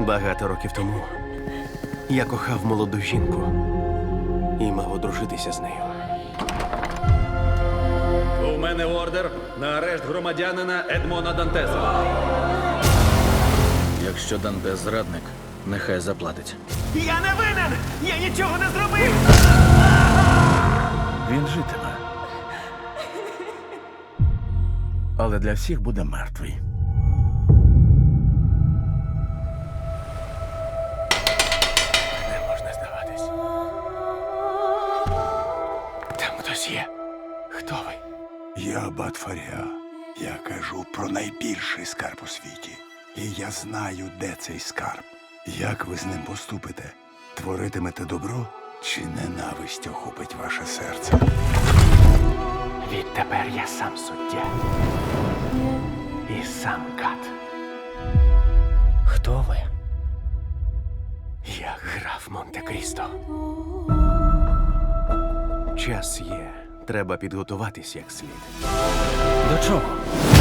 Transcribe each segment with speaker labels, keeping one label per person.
Speaker 1: Багато років тому я кохав молоду жінку і мав одружитися з нею.
Speaker 2: У мене ордер на арешт громадянина Едмона Дантеса. Якщо Дантес зрадник, нехай заплатить.
Speaker 1: Я не винен! Я нічого не зробив!
Speaker 3: Він житиме. Але для всіх буде мертвий.
Speaker 1: Не можна здаватись. Там хтось є. Хто ви?
Speaker 4: Я Аббат Фаріа. Я кажу про найбільший скарб у світі. І я знаю, де цей скарб. Як ви з ним поступите? Творитимете добро чи ненависть охопить ваше серце?
Speaker 1: Відтепер я сам суддя. І сам кат. Хто ви? Я граф Монте-Крісто. Час є. Треба підготуватись як слід.
Speaker 2: До чого?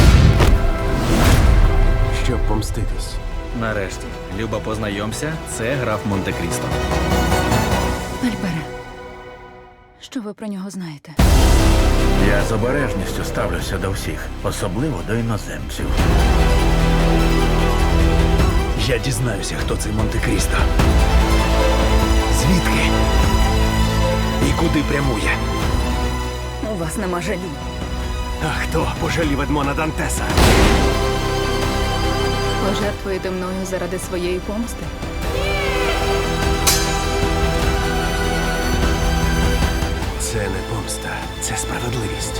Speaker 1: Щоб помститись.
Speaker 2: Нарешті, Люба, познайомся, це граф Монте-Крісто.
Speaker 5: Альбере, що ви про нього знаєте?
Speaker 3: Я з обережністю ставлюся до всіх, особливо до іноземців.
Speaker 4: Я дізнаюся, хто цей Монте-Крісто. Звідки? І куди прямує?
Speaker 5: У вас нема жалі.
Speaker 1: А хто пожалів Едмона Дантеса?
Speaker 5: Пожертвуєте мною заради своєї помсти?
Speaker 1: Це не помста, це справедливість.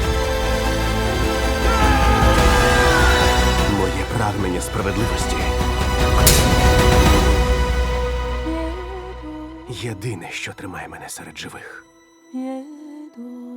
Speaker 1: Моє прагнення справедливості. Єдине, що тримає мене серед живих.